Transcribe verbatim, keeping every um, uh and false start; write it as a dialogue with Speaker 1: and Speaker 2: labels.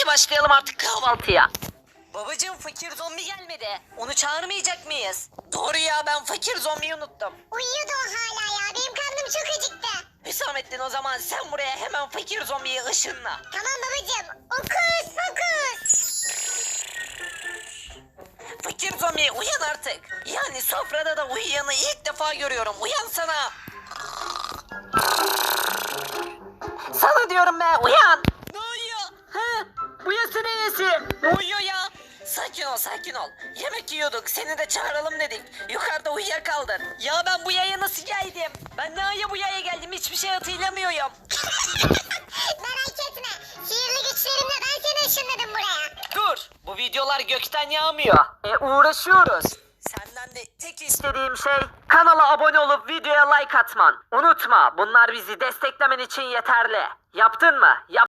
Speaker 1: başlayalım artık kahvaltıya. Babacım fakir zombi gelmedi. Onu çağırmayacak mıyız? Doğru ya, ben fakir zombiyi unuttum.
Speaker 2: Uyuyordu o hala ya. Benim karnım çok acıktı.
Speaker 1: Hüsamettin, o zaman sen buraya hemen fakir zombiyi ışınla.
Speaker 2: Tamam babacığım. Okus okus.
Speaker 1: Fakir zombi uyan artık. Yani sofrada da uyuyanı ilk defa görüyorum. Uyansana. Sana diyorum be, uyan. Ne uyuyor? He? Bu yası ne yesi? Ne uyuyor ya? Sakin ol sakin ol. Yemek yiyorduk, seni de çağıralım dedik. Yukarıda uyuyakaldın. Ya ben bu yaya nasıl geldim? Ben ne aya bu yaya geldim, hiçbir şey hatırlamıyorum.
Speaker 2: Merak etme. Sihirli güçlerimle ben seni ışınladım buraya.
Speaker 1: Dur, bu videolar gökten yağmıyor. E uğraşıyoruz. Senden de tek istediğim şey kanala abone olup videoya like atman. Unutma, bunlar bizi desteklemen için yeterli. Yaptın mı? Yap.